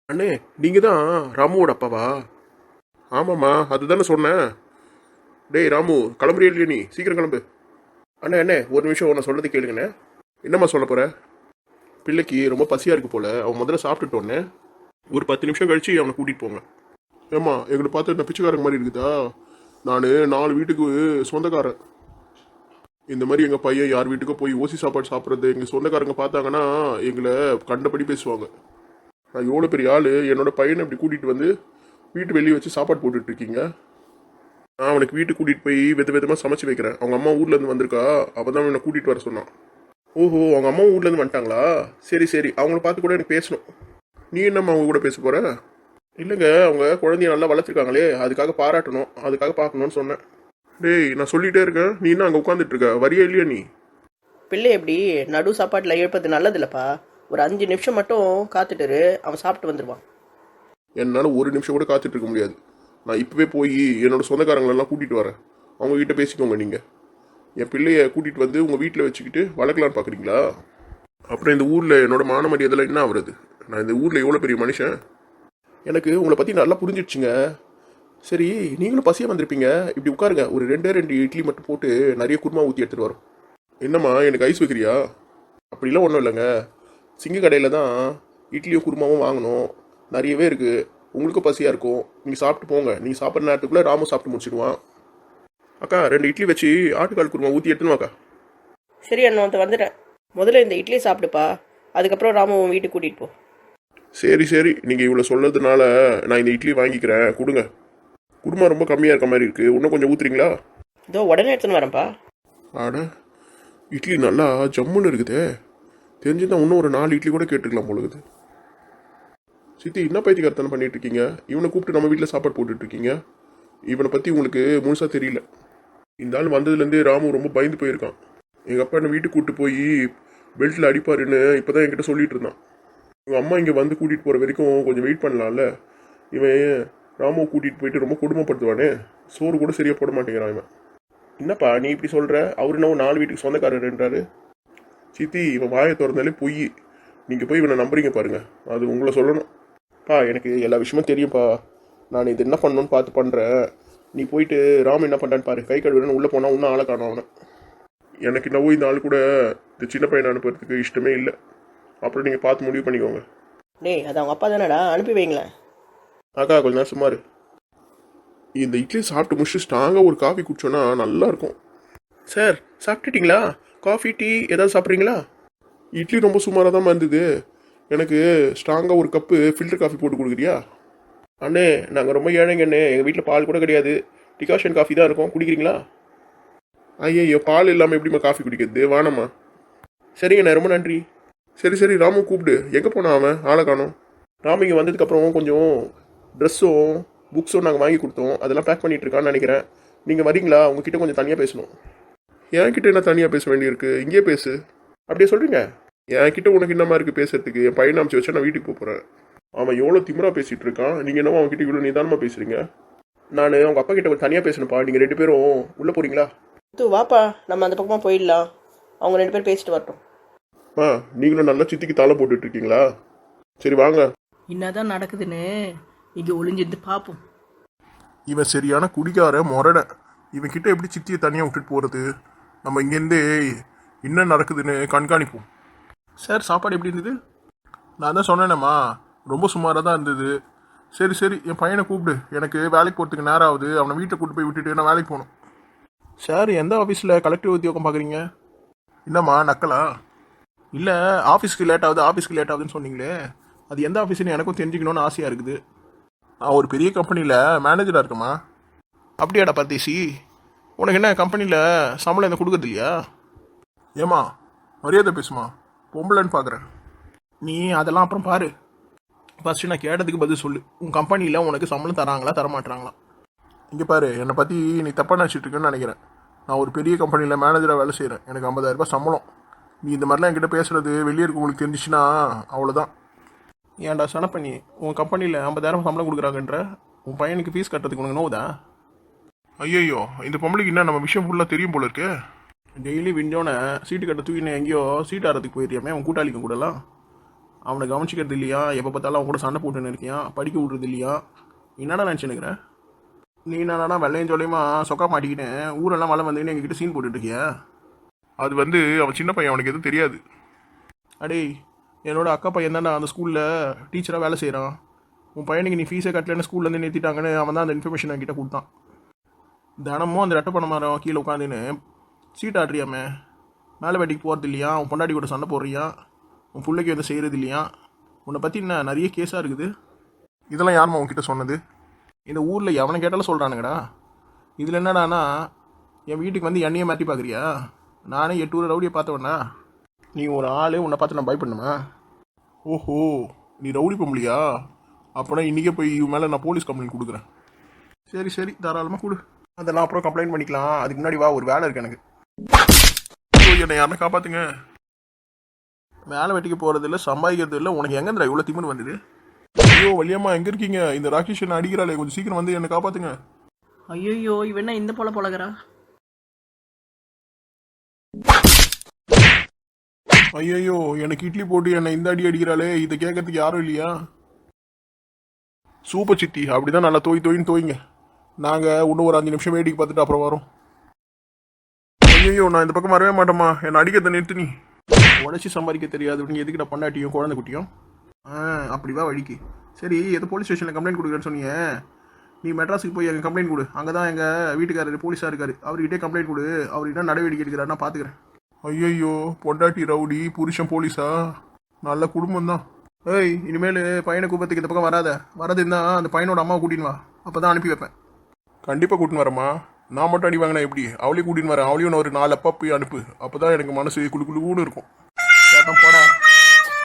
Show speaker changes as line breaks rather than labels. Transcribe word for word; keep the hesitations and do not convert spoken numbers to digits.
அண்ணே, நீங்க தான் ராமுவோட அப்பாவா? ஆமாம்மா, அதுதானே சொன்னேன். டேய் ராமு, கிளம்புறியா இல்லையா நீ? சீக்கிரம் கிளம்பு. அண்ணே அண்ணே, ஒரு நிமிஷம் உன்னை சொல்றது கேளுங்கண்ணே. என்னம்மா சொல்ல போற? பிள்ளைக்கு ரொம்ப பசியா இருக்கு போல, அவன் முதல்ல சாப்பிட்டுட்டோன்னே ஒரு பத்து நிமிஷம் கழிச்சு அவனை கூட்டிட்டு போங்க. ஏம்மா, எங்களை பார்த்து இந்த பிச்சைக்காரங்க மாதிரி இருக்குதா? நான் நாலு வீட்டுக்கு சொந்தக்காரன். இந்த மாதிரி எங்கள் பையன் யார் வீட்டுக்கோ போய் ஓசி சாப்பாடு சாப்பிட்றது எங்கள் சொந்தக்காரங்க பார்த்தாங்கன்னா எங்களை கண்டபடி பேசுவாங்க. நான் எவ்வளோ பெரிய ஆள், என்னோட பையனை இப்படி கூட்டிகிட்டு வந்து வீட்டு வெளியே வச்சு சாப்பாடு போட்டுட்ருக்கீங்க. நான் அவனுக்கு வீட்டுக்கு கூட்டிகிட்டு போய் வித விதமாக சமைச்சு வைக்கிறேன். அவங்க அம்மா ஊர்லேருந்து வந்திருக்கா, அவள் தான் என்னை கூட்டிகிட்டு வர சொன்னான். ஓஹோ, அவங்க அம்மா ஊர்லேருந்து வந்துட்டாங்களா? சரி சரி, அவங்கள பார்த்து கூட எனக்கு பேசணும். நீ என்னம்மா அவங்க கூட பேச போகிற? இல்லைங்க, அவங்க குழந்தைய நல்லா வளர்த்துருக்காங்களே, அதுக்காக பாராட்டணும், அதுக்காக பார்க்கணுன்னு சொன்னேன். டேய், நான் சொல்லிகிட்டே இருக்கேன், நீ என்ன அங்கே உட்காந்துட்டு இருக்க? வரியா இல்லையா நீ?
பிள்ளை எப்படி நடு சாப்பாட்டில் எழுப்பது நல்லது இல்லைப்பா. ஒரு அஞ்சு நிமிஷம் மட்டும் காத்துட்டு அவன் சாப்பிட்டு வந்துடுவான்.
என்னால் ஒரு நிமிஷம் கூட காத்துட்டு இருக்க முடியாது. நான் இப்போவே போய் என்னோட சொந்தக்காரங்களெல்லாம் கூட்டிகிட்டு வரேன். அவங்க கிட்ட பேசிக்கோங்க. நீங்கள் என் பிள்ளைய கூட்டிகிட்டு வந்து உங்கள் வீட்டில் வச்சுக்கிட்டு வளர்க்கலான்னு பார்க்குறீங்களா? அப்புறம் இந்த ஊரில் என்னோட மான மரியாதைலாம் என்ன ஆகுறது? நான் இந்த ஊரில் எவ்வளோ பெரிய மனுஷன். எனக்கு உங்களை பற்றி நல்லா புரிஞ்சிடுச்சுங்க. சரி, நீங்களும் பசியாக வந்திருப்பீங்க, இப்படி உட்காருங்க. ஒரு ரெண்டே ரெண்டு இட்லி மட்டும் போட்டு நிறைய குருமா ஊற்றி எடுத்துகிட்டு வரோம். என்னம்மா, எனக்கு ஐஸ் வைக்கிறியா? அப்படிலாம் ஒன்றும் இல்லைங்க, சிங்க கடையில் தான் இட்லியும் குருமாவும் வாங்கணும், நிறையவே இருக்குது. உங்களுக்கும் பசியாக இருக்கும், நீங்கள் சாப்பிட்டு போங்க. நீங்கள் சாப்பிட்ற நேரத்துக்குள்ளே ராமும் சாப்பிட்டு முடிச்சிடுவான். அக்கா, ரெண்டு இட்லி வச்சு ஆட்டுக்கால் குருமா ஊற்றி எடுத்துன்னு வாக்கா.
சரி அண்ணா, வந்து வந்துட்டேன். முதல்ல இந்த இட்லி சாப்பிடுப்பா, அதுக்கப்புறம் ராமு வீட்டுக்கு கூட்டிகிட்டு போ.
சரி சரி, நீங்கள் இவ்வளோ சொல்கிறதுனால நான் இந்த இட்லி வாங்கிக்கிறேன், கொடுங்க. குருமா ரொம்ப கம்மியாக இருக்க மாதிரி இருக்குது, இன்னும் கொஞ்சம் ஊற்றுறீங்களா?
இதோ உடனே எடுத்துன்னு வரேன்ப்பா.
ஆட, இட்லி நல்லா ஜம்முன்னு இருக்குதே. தெரிஞ்சுதான் இன்னும் ஒரு நாலு இட்லி கூட கேட்டுருக்கலாம் போலுக்குது. சித்தி, என்ன பைத்தியக்காரத்தனை பண்ணிட்டு இருக்கீங்க? இவனை கூப்பிட்டு நம்ம வீட்டில் சாப்பாடு போட்டுட்டு இருக்கீங்க. இவனை பற்றி உங்களுக்கு முழுசாக தெரியல. இந்த ஆள் வந்ததுலேருந்தே ராமு ரொம்ப பயந்து போயிருக்கான். எங்கள் அப்பா என்னை வீட்டுக்கு கூப்பிட்டு போய் பெல்ட்டில் அடிப்பாருன்னு இப்போ தான் என்கிட்ட சொல்லிட்டு இருந்தான். இவங்க அம்மா இங்கே வந்து கூட்டிகிட்டு போகிற வரைக்கும் கொஞ்சம் வெயிட் பண்ணலாம்ல. இவன் ராமுவை கூட்டிகிட்டு போயிட்டு ரொம்ப கொடுமைப்படுத்துவானே, சோறு கூட சரியாக போட மாட்டேங்கிறான் இவன். என்னப்பா நீ இப்படி சொல்கிற? அவர் என்ன நாலு வீட்டுக்கு சொந்தக்காரர்ன்றாரு? சித்தி, இவன் வாயை திறந்தாலே பொய். நீங்கள் போய் இவனை நம்புறீங்க பாருங்க, அது உங்களை சொல்லணும். பா, எனக்கு எல்லா விஷயமும் தெரியும்ப்பா. நான் இது என்ன பண்ணணும்னு பார்த்து பண்ணுறேன். நீ போயிட்டு ராம் என்ன பண்ணுறான்னு பாரு. கை கழுவுறன்னு உள்ளே போனால் இன்னும் ஆளை காணும் அவனை. எனக்கு என்னவோ இந்த ஆள் கூட இந்த சின்ன பையனை அனுப்புறதுக்கு இஷ்டமே இல்லை. அப்புறம் நீங்கள் பார்த்து முடிவு பண்ணிக்கோங்க.
டேய், அது அவங்க அப்பா தானடா, அனுப்பி வைங்களேன்.
அக்கா, கொஞ்ச நேரம் சுமார். இந்த இட்லி சாப்பிட்டு முடிச்சுட்டு ஸ்ட்ராங்காக ஒரு காஃபி குடிச்சோன்னா நல்லாயிருக்கும். சார், சாப்பிட்டுட்டிங்களா? காஃபி, டீ ஏதாவது சாப்பிட்றீங்களா? இட்லி ரொம்ப சுமாராக தான் இருந்தது. எனக்கு ஸ்ட்ராங்காக ஒரு கப்பு ஃபில்டர் காஃபி போட்டு கொடுக்குறியா? அண்ணே, நாங்கள் ரொம்ப ஏழைங்க அண்ணே, எங்கள் வீட்டில் பால் கூட கிடையாது, டிகாஷன் காஃபி தான் இருக்கும், குடிக்கிறீங்களா? ஐயோ, பால் இல்லாமல் எப்படிம்மா காஃபி குடிக்கிறது? வானம்மா. சரிங்கண்ணே, ரொம்ப நன்றி. சரி சரி, ராமு கூப்பிடு. எங்கே போனான் அவன்? ஆளை காணோம். ராமு இங்கே வந்ததுக்கப்புறம் கொஞ்சம் ட்ரெஸ்ஸும் புக்ஸும் நாங்கள் வாங்கி கொடுத்தோம், அதெல்லாம் பேக் பண்ணிகிட்டு இருக்கான்னு நினைக்கிறேன். நீங்கள் வரீங்களா? உங்ககிட்ட கொஞ்சம் தனியாக பேசணும். என்கிட்ட என்ன தனியாக பேச வேண்டியிருக்கு? இங்கேயே பேசு. அப்படியே சொல்கிறீங்க? என்கிட்ட உனக்கு என்னமா இருக்குது பேசுறதுக்கு? என் பையனை அனுப்பிச்சு வச்சா நான் வீட்டுக்கு போக போகிறேன். அவன் எவ்வளோ திமிரா பேசிகிட்டு இருக்கான், நீங்கள் என்னவோ அவன்கிட்ட இவ்வளோ நிதானமாக பேசுகிறீங்க. நான் அவங்க அப்பா கிட்ட ஒரு தனியாக பேசணும்ப்பா. நீங்கள் ரெண்டு பேரும் உள்ளே போகிறீங்களா?
தூ வாப்பா, நம்ம அந்த பக்கமாக போயிடலாம். அவங்க ரெண்டு பேரும் பேசிட்டு வரட்டும்.
ஆ, நீங்களும் நல்லா சித்திக்கு தாளை போட்டுட்டு இருக்கீங்களா? சரி வாங்க.
என்னதான் நடக்குதுன்னு இங்கே ஒளிஞ்சிருந்து பார்ப்போம்.
இவன் சரியான குடிக்கார முரட. இவன் கிட்ட எப்படி சித்தியை தனியாக விட்டுட்டு போகிறது? நம்ம இங்கேருந்தே என்ன நடக்குதுன்னு கண்காணிப்போம். சார், சாப்பாடு எப்படி இருந்தது? நான் தான் சொன்னேனேம்மா, ரொம்ப சுமாராக தான் இருந்தது. சரி சரி, என் பையனை கூப்பிடு. எனக்கு வேலைக்கு போகிறதுக்கு நேரம் ஆகுது. அவனை வீட்டை கூப்பிட்டு போய் விட்டுட்டு நான் வேலைக்கு போகணும். சார், எந்த ஆஃபீஸில் கலெக்டிவ் உத்தியோகம் பார்க்குறீங்க? என்னம்மா நக்கலா? இல்லை, ஆஃபீஸ்க்கு லேட் ஆகுது ஆஃபீஸ்க்கு லேட் ஆகுதுன்னு சொன்னீங்களே, அது எந்த ஆஃபீஸ்னு எனக்கும் தெரிஞ்சுக்கணுன்னு ஆசையாக இருக்குது. நான் ஒரு பெரிய கம்பெனியில் மேனேஜராக இருக்கேம்மா. அப்படியாடா பர்தேசி? உனக்கு என்ன கம்பெனியில் சம்பளம் என்ன கொடுக்குறது இல்லையா? ஏம்மா, மரியாதை பேசுமா, பொம்பளைன்னு பார்க்குறேன். நீ அதெல்லாம் அப்புறம் பாரு. ஃபஸ்ட்டு நான் கேட்டதுக்கு பதில் சொல்லு. உன் கம்பெனியில் உனக்கு சம்பளம் தராங்களா தரமாட்டுறாங்களா? இங்கே பாரு, என்னை பற்றி நீ தப்பாக நினச்சிட்டு இருக்கேன்னு நினைக்கிறேன். நான் ஒரு பெரிய கம்பெனியில் மேனேஜராக வேலை செய்கிறேன். எனக்கு ஐம்பதாயிரரூபா சம்பளம். நீ இந்த மாதிரிலாம் என்கிட்ட பேசுகிறது வெளியே இருக்கவங்களுக்கு தெரிஞ்சிச்சுன்னா அவ்வளோதான். ஏன்டா சனப்பண்ணி, உன் கம்பெனியில் ஐம்பதாயிரம் சம்பளம் கொடுக்குறாங்கன்ற உன் பையனுக்கு ஃபீஸ் கட்டுறதுக்கு உனக்கு நோவுதா? ஐயோ, இந்த பொம்பளைக்கு என்ன நம்ம விஷயம் ஃபுல்லாக தெரியும் போல இருக்கு. டெய்லி விண்டோனை சீட்டு கட்ட தூக்கினே எங்கேயோ சீட் ஆடுறதுக்கு போயிடுறியாமே உன் கூட்டாளிக்கும் கூடலாம். அவனை கவனிச்சிக்கிறது இல்லையா, எப்போ பார்த்தாலும் அவன் கூட சண்டை போட்டுன்னு இருக்கியா, படிக்க விட்றது இல்லையா, என்னடா நினச்சினுக்கிறேன்? நீ என்னடா வெள்ளையும் சொல்லியுமா சொக்கா மாட்டிக்கிட்டு ஊரெல்லாம் மழை வந்துன்னு எங்ககிட்ட சீன் போட்டுட்டு இருக்கியா? அது வந்து அவன் சின்ன பையன், அவனுக்கு எதுவும் தெரியாது. அடே, என்னோட அக்கா பையன் தான்டா அந்த ஸ்கூலில் டீச்சராக வேலை செய்கிறான். உன் பையனுக்கு நீ ஃபீஸை கட்டலன்னு ஸ்கூல்லேருந்து நிறுத்திட்டாங்கன்னு அவன் தான் அந்த இன்ஃபர்மேஷன் என்கிட்ட கொடுத்தான். தினமும் அந்த ரெட்டை பண்ண மரம் கீழே உட்காந்துன்னு சீட் ஆடுறியாமே, மேலே வேட்டிக்கு போகிறது இல்லையா, உன் பொண்டாடி கூட சண்டை போடுறியா, உன் பிள்ளைக்கு வந்து செய்கிறது இல்லையா, உன்னை பற்றி என்ன நிறைய கேஸாக இருக்குது. இதெல்லாம் யாரும்மா உன்கிட்ட சொன்னது? இந்த ஊரில் எவனை கேட்டாலும் சொல்கிறானுங்கடா. இதில் என்னடானா என் வீட்டுக்கு வந்து என்னையே மாற்றி பார்க்குறியா? நானே எட்டு ஊர் ரவுடியை பார்த்தவண்ணா. நீ ஒரு ஆள், உன்னை பார்த்து நான் பயப்படணுமா? ஓஹோ, நீ ரவுடி பொம்பளையா? அப்போனா இன்றைக்கே போய் இவன் மேலே நான் போலீஸ் கம்ப்ளைண்ட் கொடுக்குறேன். சரி சரி, தாராளமாக கொடு. அதெல்லாம் அப்புறம் கம்ப்ளைண்ட் பண்ணிக்கலாம். அதுக்கு முன்னாடி வா, ஒரு வேலை இருக்கு எனக்கு. ஐயோ, என்னை யாருன்னா காப்பாற்றுங்க. வேலை வெட்டிக்கு போகிறது இல்லை, சம்பாதிக்கிறது இல்லை, உனக்கு எங்கேந்திரா இவ்வளோ திமிரு வந்தது? ஐயோ வலியம்மா, எங்கே இருக்கீங்க? இந்த ராகேஷ் என்ன அடிக்கிறாளே, கொஞ்சம் சீக்கிரம் வந்து என்னை காப்பாற்றுங்க.
ஐயோ, இவன் என்ன இந்த போல பழகிறா?
ஐயோ, எனக்கு இட்லி போட்டு என்னை இந்த அடி அடிக்கிறாளே, இதை கேட்கறதுக்கு யாரும் இல்லையா? சூப்பர் சித்தி, அப்படிதான் நல்லா தோய் தோயின்னு தோய்ங்க. நாங்கள் இன்னும் ஒரு அஞ்சு நிமிஷம் வேடிக்கை பார்த்துட்டு அப்புறம் வரோம். ஐயோ, நான் இந்த பக்கம் வரவே மாட்டேம்மா, என்னை அடிக்கிறத நிறுத்து. நீ உடச்சி சம்பாதிக்க தெரியாது, நீங்கள் எதுக்கிட்ட பொண்டாட்டியும் குழந்தை குட்டியும்? ஆ, அப்படிவா வழிக்கு. சரி, எது போலீஸ் ஸ்டேஷனில் கம்ப்ளைண்ட் கொடுக்குறேன்னு சொன்னீங்க. நீ மெட்ராஸுக்கு போய் எங்கள் கம்ப்ளைண்ட் கொடு. அங்கே தான் எங்கள் வீட்டுக்காரர் போலீஸாக இருக்காரு, அவர்கிட்டே கம்ப்ளைண்ட் கொடு. அவர் என்ன நடவடிக்கை எடுக்கிறாரு நான் பார்த்துக்கிறேன். ஐயோ, பொண்டாட்டி ரவுடி, புருஷன் போலீஸா? நல்ல குடும்பம் தான். ஏய், இனிமேல் பையனை கூப்பத்துக்கு இந்த பக்கம் வராத. வரது இருந்தால் அந்த பையனோட அம்மாவை கூட்டின்னு வா, அப்போ தான் அனுப்பி வைப்பேன். கண்டிப்பாக கூட்டின்னு வரேம்மா. நான் மட்டும் அடி வாங்கினா எப்படி? அவளையும் கூட்டின்னு வரேன். அவளையும் நான் ஒரு நாலு அப்பா போய் அனுப்பு, அப்போ தான் எனக்கு மனசு குழு குழுன்னு இருக்கும். கேட்டான் போடா.